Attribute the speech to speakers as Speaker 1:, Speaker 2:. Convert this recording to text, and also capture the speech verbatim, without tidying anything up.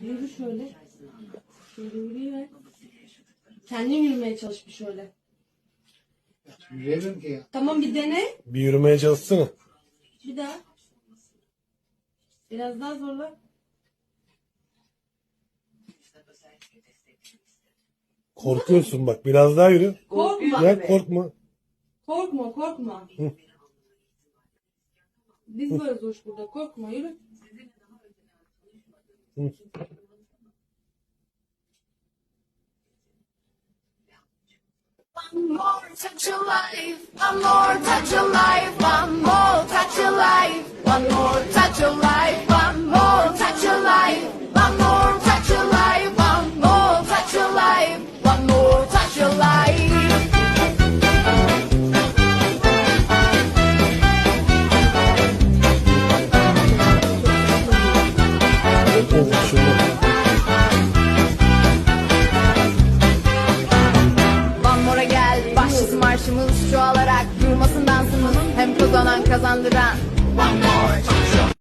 Speaker 1: Yürü şöyle. Şöyle yürüyerek. Kendin yürümeye çalış bir şöyle.
Speaker 2: Yürüyemem ki ya.
Speaker 1: Tamam bir dene.
Speaker 3: Bir yürümeye çalışsana.
Speaker 1: Bir daha. Biraz daha zorla.
Speaker 3: Korkuyorsun bak. Biraz daha yürü.
Speaker 1: Korkma.
Speaker 3: Ya korkma.
Speaker 1: Korkma korkma.
Speaker 3: Hı.
Speaker 1: Biz varız hoş burada. Korkma yürü.
Speaker 3: Hı.
Speaker 4: One more touch of life, one more touch of life, one more touch of life, one more touch of life, one more touch of life, one more touch of life, one more touch of life, one more touch of life.
Speaker 3: Oh, şunu.
Speaker 4: One more'a gel, başlasın marşımız çoğalarak durmasın dansımız, hem kazanan kazandıran. One more touch of